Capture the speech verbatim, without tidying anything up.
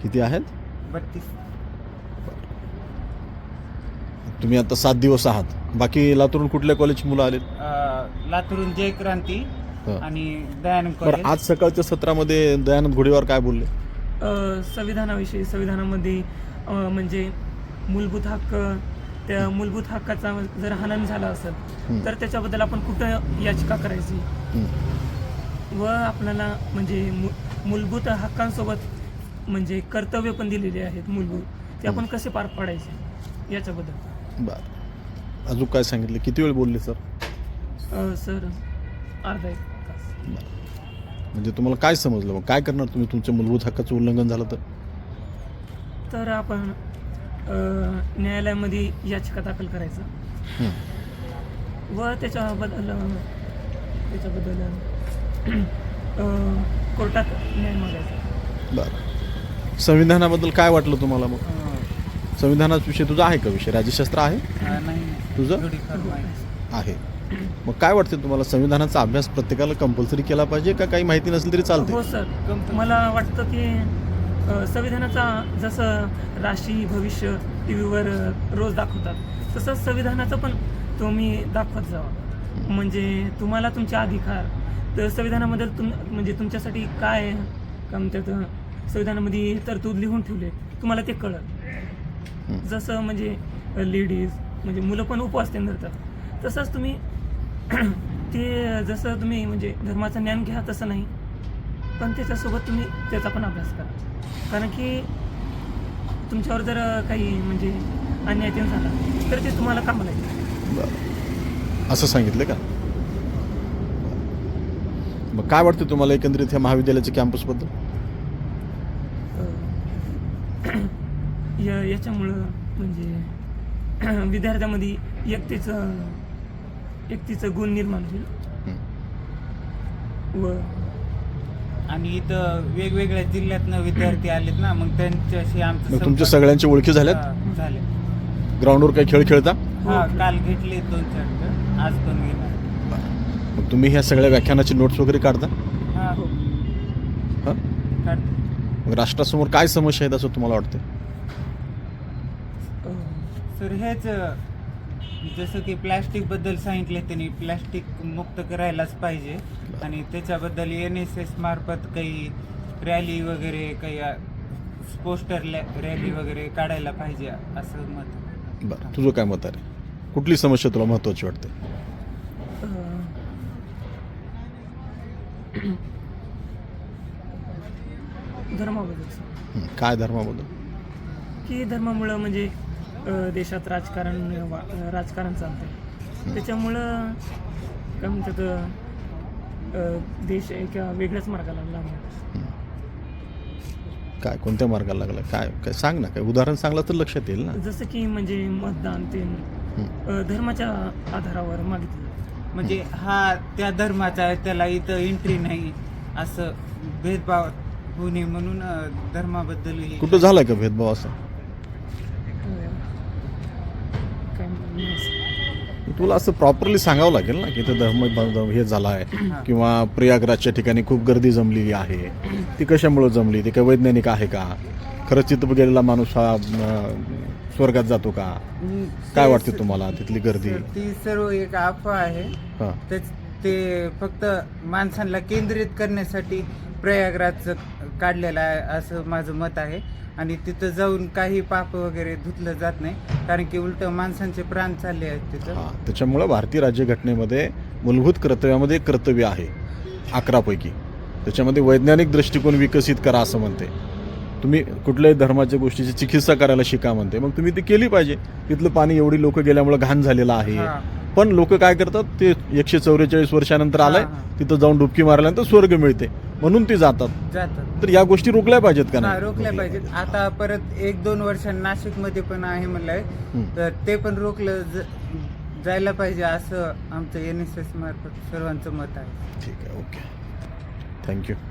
किती आहेत? बत्तीस. तुम्ही आता सात दिवस आहात. बाकी लातूरून कुठल्या कॉलेजची मुलं आलेत? अं, लातूरून जय क्रांती हं. आणि दयानंद बरं, कॉलेज. आज सकाळच्या सत्रामध्ये दयानंद घोडेवार काय बोलले? अ, संविधानाविषयी संविधानामध्ये अ, म्हणजे मूलभूत हक्क, त्या मूलभूत हक्काचा जर हनन झाला असेल हं. तर त्याच्याबद्दल आपण कुठं याचिका करायची हं. व आपल्याला म्हणजे मू मूलभूत हक्कांसोबत म्हणजे कर्तव्य पण दिलेली आहेत मूलभूत, ते आपण कसे पार पाडायचे याच्याबद्दल. बरं, अजून काय सांगितले? किती वेळ बोलले सर? अ, सर अर्धा एक तास. म्हणजे तुम्हाला काय समजलं? मग काय करणार तुम्ही तुमच्या मूलभूत हक्काचं उल्लंघन झालं तर? तर आपण अ, न्यायालयामध्ये याचिका दाखल करायचं हं. व त्याच्याबद्दल त्याच्याबद्दल अ, कोर्टात न्याय मागायचा. बरं, संविधानाबद्दल काय वाटलं तुम्हाला? मग अं, संविधानाचा विषय तुझा आहे का? विषय राज्यशास्त्र आहे अं, नाही तुझं? थोडीफार माहिती. आहे. मग काय वाटते तुम्हाला, संविधानाचा अभ्यास प्रत्येकाला कंपल्सरी केला पाहिजे का काही माहिती नसेल तरी चालते? हो सर, मला वाटतं की अ, संविधानाचा जसं राशी भविष्य टी व्हीवर रोज दाखवतात तसंच संविधानाचं पण तुम्ही दाखवत जावा. म्हणजे तुम्हाला तुमचे अधिकार तर संविधानामध्ये तुम म्हणजे तुमच्यासाठी काय काय म्हणतात संविधानामध्ये तरतूद लिहून ठेवले तुम्हाला ते कळत. जसं म्हणजे लेडीज म्हणजे मुलं पण उपवास ते धरतात तसंच तुम्ही ते जसं तुम्ही म्हणजे धर्माचं ज्ञान घ्या तसं नाही, पण त्याच्यासोबत तुम्ही त्याचा पण अभ्यास करा. कारण की तुमच्यावर जर काही म्हणजे अन्याय ते झाला तर ते तुम्हाला कामाला येईल. बरं, असं सांगितलं का? मग काय वाटतं तुम्हाला एकंदरीत ह्या महाविद्यालयाच्या कॅम्पसबद्दल? या याच्यामुळं म्हणजे विद्यार्थ्यामध्ये एकतेचं एकतेचं गुण निर्माण होईल व आणि इथं वेगवेगळ्या जिल्ह्यातनं विद्यार्थी आलेत ना, मग त्यांच्याशी आमचं मग तुमच्या संपर्क- सगळ्यांची ओळखी झाल्यात? हा, झाले. ग्राउंडवर काही खेळ खेळता? हा, काल घेतले दोन चार खेळ, आज पण घेणार. मग तुम्ही ह्या सगळ्या व्याख्यानाची नोट्स वगैरे काढता? हा हो, हां, काढतो. मग राष्ट्रासमोर काय समस्या आहेत असं तुम्हाला वाटतं? सर हेच जसं की प्लॅस्टिक बद्दल सांगितले त्यांनी, प्लॅस्टिक मुक्त करायलाच पाहिजे आणि त्याच्याबद्दल एन एस एस मार्फत काही रॅली वगैरे काही पोस्टर रॅली वगैरे काढायला पाहिजे असं मत. बरं, तुझं काय मत आहे? कुठली समस्या तुला महत्त्वाची वाटते? धर्माबद्दल हं, काय धर्माबद्दल? की धर्मामुळं म्हणजे अ, देशात राजकारण वा- राजकारण चालतं त्याच्यामुळं काय म्हणतात अ, देश एका वेगळ्याच मार्गाला लागला. काय कोणत्या मार्गाला लागला? काय काय सांग ना, काय उदाहरण सांगला तर लक्षात येईल ना. जसं की म्हणजे मतदान ते अ, धर्माच्या आधारावर मागितलं. म्हणजे हा त्या धर्माचा आहे, त्याला इथं एंट्री नाही असं भेदभाव होऊ नये म्हणून अं, धर्माबद्दल कुठं झालाय का भेदभाव असा? काय म्हणतात तुला असं प्रॉपरली सांगावं लागेल ना की इथं धर्म धर्म हे झाला आहे किंवा प्रयागराजच्या ठिकाणी खूप गर्दी जमलेली आहे, ती कशामुळं जमली, ती काय वैज्ञानिक आहे का? खरंच तिथं गेलेला माणूस हा अं, स्वर्गात जातो का? काय वाटते तुम्हाला तिथली गर्दी? ती सर्व एक अफवा आहे. हां, तेच ते फक्त माणसांना केंद्रित करण्यासाठी प्रयागराजचं काढलेलं आहे असं माझं मत आहे. आणि तिथं जाऊन काही पाप वगैरे धुतलं जात नाही, कारण की उलट माणसांचे प्राण चालले आहेत तिथं. हां, त्याच्यामुळं भारतीय राज्यघटनेमध्ये मूलभूत कर्तव्यामध्ये एक कर्तव्य आहे अकरापैकी, त्याच्यामध्ये वैज्ञानिक दृष्टिकोन विकसित करा असं म्हणते. तुम्ही कुठल्याही धर्माच्या गोष्टीची चिकित्सा करायला शिका म्हणते, मग तुम्ही ती केली पाहिजे. तिथलं पाणी एवढी लोक गेल्यामुळं घाण झालेलं आहे, हा. पण लोक काय करतात, ते एकशे चौवेचाळीस वर्षानंतर आलंय हा, हा. तिथं जाऊन डुबकी मारल्यानंतर स्वर्ग मिळते म्हणून ती जातात. जातात. तर या गोष्टी रोखल्या पाहिजेत का हा, नाही? रोखल्या पाहिजेत. आता परत एक दोन वर्षांनी नाशिकमध्ये पण आहे म्हणलंय, हं. तर ते पण रोखलं ज- जायला पाहिजे असं आमचं एन एस एस मार्फत सर्वांचं मत आहे. ठीक आहे, ओके, थँक्यू.